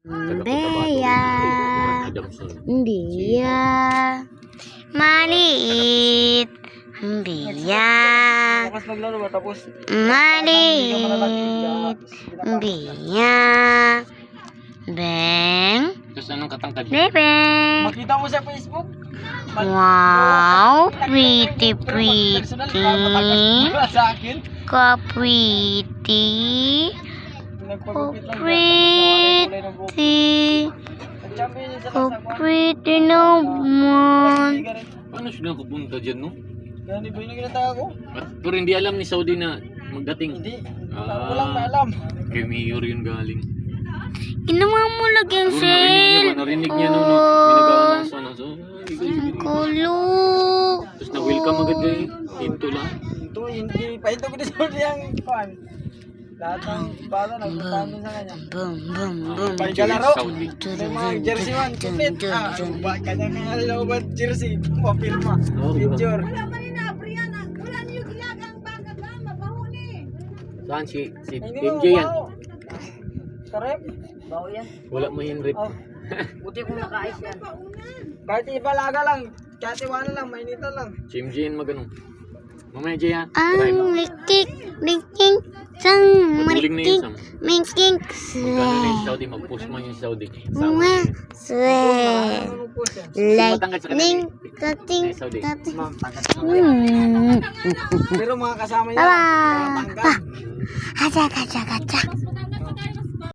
Beya, dia maliit, dia maliit, dia beng, Terus anong katangkad? bebeng. Makita mo sa Facebook? Wow, pretty, pretty, Wala sa akin. ka pretty, Nagpagupit lang. pretty, Nag-champion yun sa ka Lasagwan. pretty naman. Paano siya nakapunta dyan, no? Gani ba yung ginatawa ko? Pero hindi alam ni Saudi na magdating. Hindi. Ah. Walang maalam. Kay Mayor yun galing. Ginawa mo lagi ang Pero sale. narinig niya nung pinag-aanasan na. So, Kulo. Tapos na-welcome agad kayo. Hinto lang. Ito, hindi. Pahinto ko din sa yung kuhan. Lahat ng bata nagpuntahan din sa kanya. Bum, bum, bum. Pagkalaro. Saudi. May mga jersey man. Complete. Kanya-kanya looban jersey. Papirma. Oo, Picture. Saan si Hindi MJ mo yan? mabaho. Karep. Bawo yan. Wala mo yung rip. Oh. Buti kung naka-ice yan. Kahit ibalaga lang. Kahit iwana lang. Mainita lang. Si MJ yan magano. Mamaya Jay ha. Ang likik, likik, sang Maguling na yun, marikik, Sam. mikik, Magkano na yung Saudi? Mag-post mo yung Saudi. Sama. mga swe. Ano po siya? Lightning, kating, Ay, Saudi. kating. Ma'am, tagat. Hmm. Pero mga kasama niya. Bye-bye. Mga tanggal. Kaca, kaca, kaca.